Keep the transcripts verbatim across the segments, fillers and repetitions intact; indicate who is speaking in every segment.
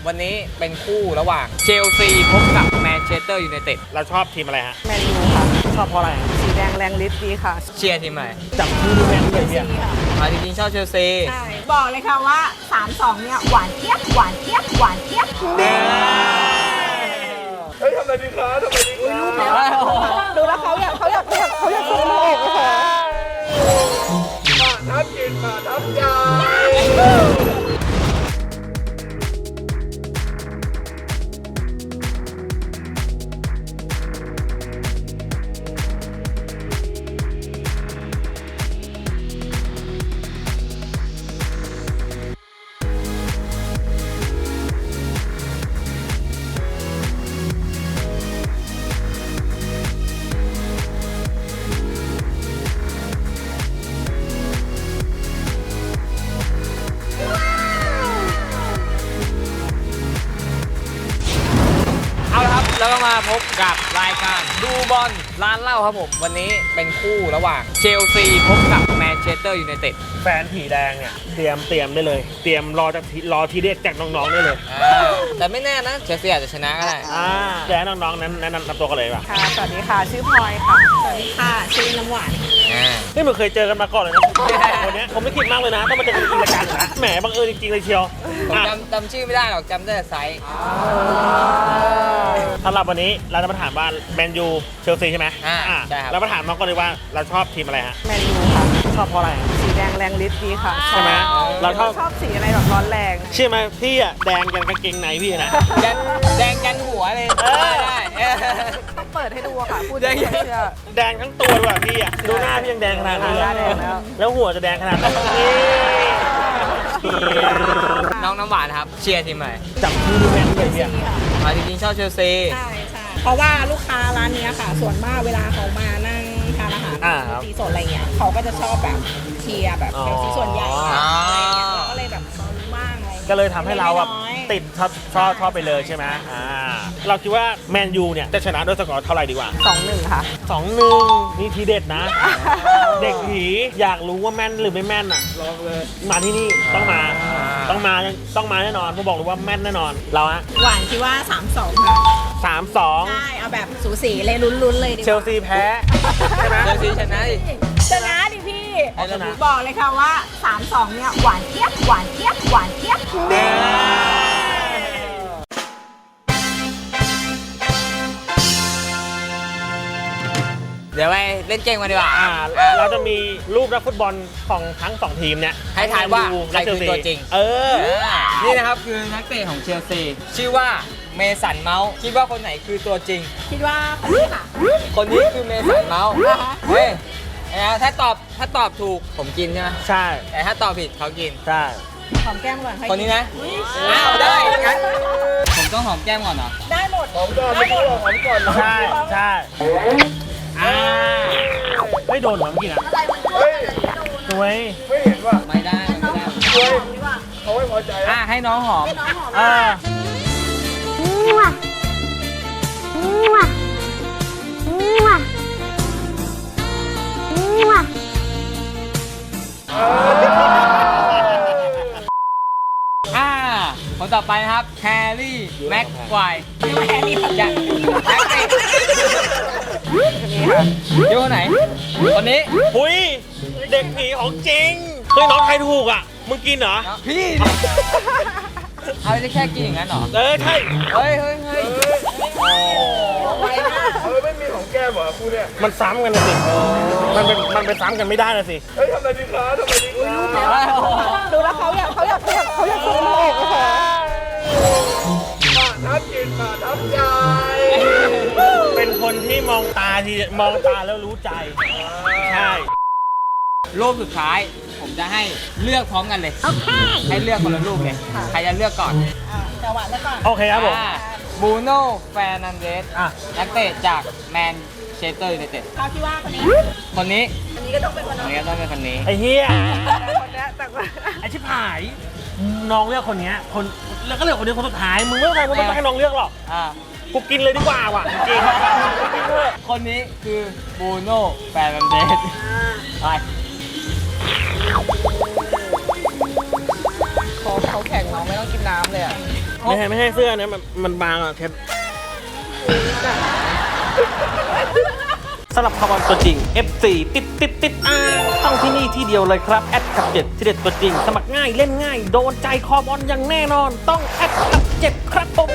Speaker 1: วันนี้เป็นคู่ระหว่างเชลซีพบกับแมนเชสเตอร์ยูไนเต็ด
Speaker 2: เราชอบทีมอะไรฮะ
Speaker 3: แมนยูค่ะ
Speaker 2: ชอบเพราะอะไร
Speaker 3: สีแดงแรงฤทธิ์ดีค่ะ
Speaker 1: เชียร์ทีมไหน
Speaker 2: จับคู่ดูแมนเลยเนี่ย
Speaker 1: อ่าจริงๆชอบเชลซี
Speaker 3: ใช่บอกเลยค่ะว่า สามสอง เนี่ยหวานเจี๊ยบหวานเจี๊ยบหวานเจี๊ยบ
Speaker 2: เฮ้ยทำอะไรดีคะทำอะไรดีคะ
Speaker 3: ดูแล้วเขาอยากเขาอยากเขาอยากเขาอยากซื้อลูกค่ะ
Speaker 2: มาทับกินมาทับยา
Speaker 1: แล้วก็มาพบกับรายการดูบอลร้านเหล้าครับผมวันนี้เป็นคู่ระหว่างเชลซีพบกับแมนเชสเตอร์ยูไนเต็ด
Speaker 2: แฟนผีแดงเนี่ยเตรียมเตรียมได้เลยเตรียมรอจากรอทีเด็ดจากน้องๆได้เลย
Speaker 1: แต่ไม่แน่นะเชลซีอาจจะชนะก็ได้
Speaker 2: อ่าแจ้น้องๆนั้นแนะนำตัวกันเลยป่ะ
Speaker 3: ค่ะสวัสดีค่ะชื่อพลอยค่ะสวัสดีค่ะชื่อน้ำหวาน
Speaker 2: นี่มันเคยเจอกันมาก่อนเลยนะคนนี้ผมไม่คิดมากเลยนะต้องมาเจอกันจริงรายการนะแหมบังเอิญจริงๆเลยเชียว
Speaker 1: ผมจำจำชื่อไม่ได้หรอกจำได้แต่ไซส์
Speaker 2: สำหรับวันนี้เราจะมาถามว่าแมนยูเชลซีใช่ไหม
Speaker 1: อ่าใช่ครับ
Speaker 2: เรามาถามน้องก่อนเลยว่าเราชอบทีมอะไรฮะ
Speaker 3: แมนยูค่ะ
Speaker 2: ชอบเพราะอะไร
Speaker 3: สีแดงแรงฤทธิ์ดีค่ะ
Speaker 2: ใช่ไหมเราชอบ
Speaker 3: ชอบสีอะไรแบบร้อนแรง
Speaker 2: ใช่ไหมพี่อะแดงยันกางเกงในพี่นะ
Speaker 1: แดงแดงยันหัวเลยได้
Speaker 3: ต้องเปิดให้ดูค่ะพูดแดง
Speaker 2: แดงทั้งตัวด้วยพี่อะดูหน้าพี่ยังแดงขนาดนี้แล้วแล้วหัวจะแดงขนาดไหน
Speaker 1: น้องน้ำหวานครับเชียร์ทีมไหน
Speaker 2: จับคู่ดูแมนเลยเนี่ย
Speaker 1: อ่าจริงๆชอบเชลซี
Speaker 3: ใช่ใช่เพราะว่าลูกค้าร้านนี้ค่ะส่วนมากเวลาเขามานั่งทานอาหารตีสดอะไรเงี้ยเขาก็จะชอบแบบเชียร์แบบเชลซีส่วนใหญ่อะไรเงี้ยเราก็เลยแบบบ้างอะไร
Speaker 2: ก็เลยทำให้เราแบบติดชอบชอบชอบไปเลยใช่ไหมอ่าเราคิดว่าแมนยูเนี่ยจะชนะด้วยสกอร์เท่าไหร่ดีกว่า
Speaker 3: สองหนึ่ง ค่ะ
Speaker 2: สองหนึ่ง นี่ทีเด็ดนะ เด็กผีอยากรู้ว่าแม่นหรือไม่แม่นอ่ะลองเลยมาที่นี่ต้องมาต้องมาต้องมาแน่นอนผมบอกเลยว่าแม่นแน่นอนเราฮะ
Speaker 3: หวานคิดว่า สามสอง ค่ะ
Speaker 2: สามสอง
Speaker 3: ใช่เอาแบบสูสีเลยลุ้นๆเลย
Speaker 2: เชลซีแพ้ใช่ไหม
Speaker 1: เชลซีชนะดิ
Speaker 3: ชนะดิพี่บอกเลยค่ะว่า สามสอง เนี่ยหวานเจี๊ยบหวานเจี๊ยบหวานเจี๊ยบ
Speaker 1: เดี๋ยวไปเล่นเกมกันดีกว่า
Speaker 2: เราจะมีรูปนักฟุตบอลของทั้งสองทีมเนี่ย
Speaker 1: ให้ทายว่าใครคือตัวจริง
Speaker 2: เออ
Speaker 1: นี่นะครับคือนักเตะของเชลซีชื่อว่าเมสันเมาส์คิดว่าคนไหนคือตัวจริง
Speaker 3: คิดว่าคนนี้ค่ะ
Speaker 1: คนนี้คือเมสันเมาส์เฮ้ยถ้าตอบถ้าตอบถูกผมกินใช่ไหม
Speaker 2: ใช่
Speaker 1: แต่ถ้าตอบผิดเขากิน
Speaker 2: ใช่
Speaker 3: หอมแก้มก่อน
Speaker 1: คนนี้นะอ้าวได้งั้นผมต้องหอมแก้มก่อนเหรอ
Speaker 3: ได้หมด
Speaker 2: หอมก่อนไม่ต้องหอมก่อนใช่ใช่อ่าไม่โดนหรอเมื่อกี้นะเฮ้ยสวยไม่เห็นว่ะ
Speaker 1: ไม่ได้ไม่ได้
Speaker 2: สวยเขาไม่พอใจ
Speaker 1: อ่ะให้น้องหอม
Speaker 2: อ่า
Speaker 1: อ่าคนต่อไปนะครับแฮร์รี่แม็กควาย
Speaker 3: แฮร์รี่
Speaker 1: จะแม็กเตะอยู่คนไหนคนนี้
Speaker 2: หุยเด็กผีของจริงเฮ้ยน้องใครถูกอ่ะมึงกินเหรอ
Speaker 1: พี่เอาจะแค่กินอย่างนั้นเหรอ
Speaker 2: เออใช่
Speaker 1: เฮ้ยเฮ้ยเฮ้ย
Speaker 2: โอ้เออไม่มีของแก้มเหรอคุณเนี่ยมันซ้ำกันนะสิมันเป็นมันเป็นซ้ำกันไม่ได้นะสิเฮ้ยทำอะไรดีคะทำอะไรดีคะ
Speaker 3: ดูแล้วเขาอยากเขาอยากเขาอยากเขาอยากซื้อลูกค่ะ
Speaker 2: มาทับกินมาทับใจเป็นคนที่มองตาทีมองตาแล้วรู้ใจใช่
Speaker 1: รูปสุดท้ายผมจะให้เลือกพร้อมกันเลยให้เลือกคนละรูปเลยใครจะเลือกก่อน
Speaker 3: จังหวะแล้วก่อน
Speaker 2: โอเคครับผม
Speaker 1: บูโน่แฟร์นันเดสนักเตะจากแมนเชสเตอร์ยูไนเต็ด
Speaker 3: เขาคิดว่าคนนี้
Speaker 1: คนนี้
Speaker 3: คนนี้ก็ต้องเป็นคน
Speaker 1: นี้ก็ต้องเป็นคนนี้
Speaker 2: ไอ้เหี้ยไอ้ชิบหายน้องเลือกคนนี้คนแล้วก็เลือกคนนี้คนสุดท้ายมึงไม่ต้องใครมึงไม่ต้องให้น้องเลือกหรอกกูกินเลยดีกว่าว่ะจริง
Speaker 1: คนนี้คือบูโน่แฟร์นันเดสไป
Speaker 3: เขาเขาแข่งเราไม่ต้องกินน้ำเลยอ่ะ
Speaker 2: ไม่ใช่ไม่ใช่เสื้อเนี่ยมันมันบางอ่ะเทปสำหรับคาร์บอนตัวจริง เอฟ ซี ติดติดติดอ่าต้องที่นี่ที่เดียวเลยครับแอดกับเจ็ดที่เด็ดตัวจริงสมัครง่ายเล่นง่ายโดนใจคอบอลอย่างแน่นอนต้องแอดกับเจ็ดครับผม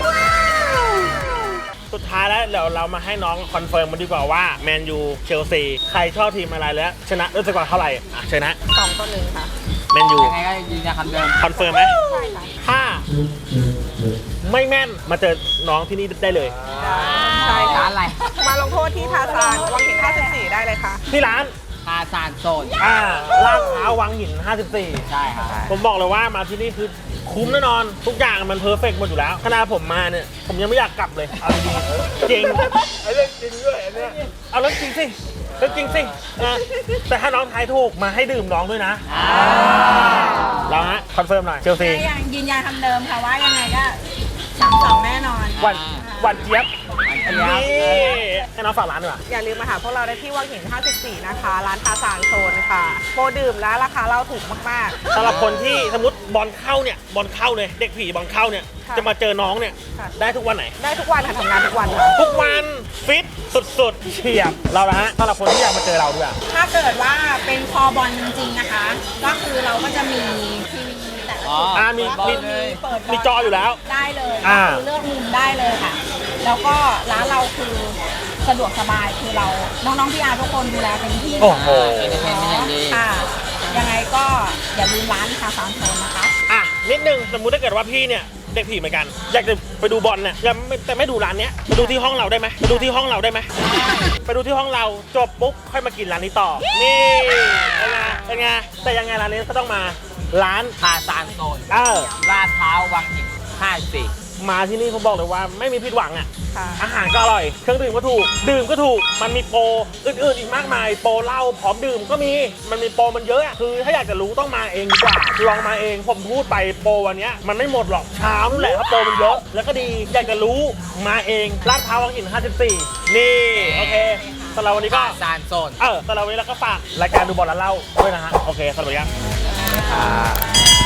Speaker 2: สุดท้ายแล้วเดี๋ยวเรามาให้น้องคอนเฟิร์มมาดีกว่าว่าแมนยูเชลซีใครชอบทีมอะไรแล้วชนะด้วยสกอร์เท่าไหร่อ่ะเชิญนะ
Speaker 3: สองต่อหนึ่งค่ะ
Speaker 2: แมนยู
Speaker 1: ยังไงก็ยืนยันคำเดิม
Speaker 2: คอนเฟิร์มไหม
Speaker 3: ใช่ค่ะ
Speaker 2: ถ้าไม่แม่นมาเจอน้องที่นี่ได้เลย
Speaker 3: ใช่
Speaker 1: ร้า
Speaker 3: ค่ะ
Speaker 1: นอะไร
Speaker 3: มาลงโทษที่ทาซานวังหินห้าสิบสี่ได้เลยค่ะ
Speaker 2: ที่ร้าน
Speaker 1: ทาซานโซน
Speaker 2: อ่าลาดพร้าววังหินห้าสิบสี่
Speaker 1: ใช่ครับ
Speaker 2: ผมบอกเลยว่ามาที่นี่คือคุ้มแน่นอน ทุกอย่างมันเพอร์เฟกต์หมดอยู่แล้วขณะผมมาเนี่ย ผมยังไม่อยากกลับเลย เอาจริงๆจริงไอ้เรื่องจริงด้วยอันเนี้ยเอาเรื่องจริงสิเรื่องจริงสินะแต่ถ้าน้องทายถูกมาให้ดื่มน้องด้วยนะเราฮะคอนเฟิร์มหน่อยเชลซี
Speaker 3: ก็ยังยืนยันคำเดิมค่ะว่ายังไงก็สามสองแน่นอน
Speaker 2: หวันหวันเจี๊ยบ
Speaker 1: เจี๊ยบ
Speaker 2: นี่ให้น้องฝากร้านดีกว่า
Speaker 3: อย่าลืมมาหาพวกเราได้ที่วังหินห้าสิบสี่นะคะ ร้านทาซานโซนค่ะโปรดื่มและราคาเราถูกมาก
Speaker 2: สำหรับคนที่สมมติบอลเข้าเนี่ยบอลเข้าเลยเด็กผีบอลเข้าเนี่ย
Speaker 3: ค่ะ
Speaker 2: จะมาเจอน้องเนี่ย
Speaker 3: ค่ะ
Speaker 2: ได้ทุกวันไหน
Speaker 3: ๆ ได้ทุกวันค่ะทำงานทุกวันค่ะ
Speaker 2: ทุกวันฟิตสุดๆเฉียบเราละฮะสำหรับคนที่อยากมาเจอเราด้วย
Speaker 3: ถ้าเกิดว่าเป็นคอบอลจริงๆนะคะ ก็คือเราก็จะมีทีวีแต่ละ
Speaker 1: อ๋อ
Speaker 3: จุด
Speaker 2: อ่ามี
Speaker 3: ก็
Speaker 2: มี
Speaker 3: คือเปิดบ
Speaker 2: มีจออยู่แล้ว
Speaker 3: ได้เลย
Speaker 2: อ่า
Speaker 3: คือเลือกมุมได้เลยค่ะ แล้วก็ร้านเราคือสะดวกสบายคือเราน้องๆพี่อาร์ทุกคนดูแลเต็มที่
Speaker 2: โอ้โห
Speaker 1: เอนเตอร์เทนเป็นอย่างดี
Speaker 3: ค่ะ ยังไงก็อย่าลืมร้านทาซานโซนนะคะ
Speaker 2: อ่ะนิดนึงสมมุติถ้าเกิดว่าพี่เนี่ยเด็กผีเหมือนกัน อยากจะไปดูบอลเนี่ยยังไม่แต่ไม่ดูร้านเนี้ยไปดูที่ห้องเราได้ไหมไปดูที่ห้องเราได้ไหมไปดูที่ห้องเราจบปุ๊บค่อยมากินร้านนี้ต่อนี่เป็นไงเป็นไงแต่ยังไงร้านนี้ก็ต้องมาร้าน
Speaker 1: ทาซานโซน
Speaker 2: เออ
Speaker 1: ลาดพร้าววังหินห้าสี่
Speaker 2: มาที่นี่ผมบอกเลยว่าไม่มีผิดหวังอ่ะ
Speaker 3: ค่ะ
Speaker 2: อาหารก็อร่อย เครื่องดื่มก็ถูก ดื่มก็ถูก มันมีโปรอื่นๆอีกมากมาย โปรเหล้าพร้อมดื่มก็มี มันมีโปรมันเยอะอะคือถ้าอยากจะรู้ต้องมาเองดีกว่า ลองมาเอง ผมพูดไปโปรวันเนี้ยมันไม่หมดหรอกเช้านั่นแหละเพราะโปรมันเยอะ แล้วก็ดี อยากจะรู้มาเองลาดพร้าววังหินห้าสิบสี่นี่โอเคสำหรับวันนี้ก็
Speaker 1: ทาซานโซน
Speaker 2: เออสำหรับวันนี้เราก็ฝากรายการดูบอลแล้วเล่าด้วยนะฮะ โอเคสวัสดีครับ
Speaker 1: ครับ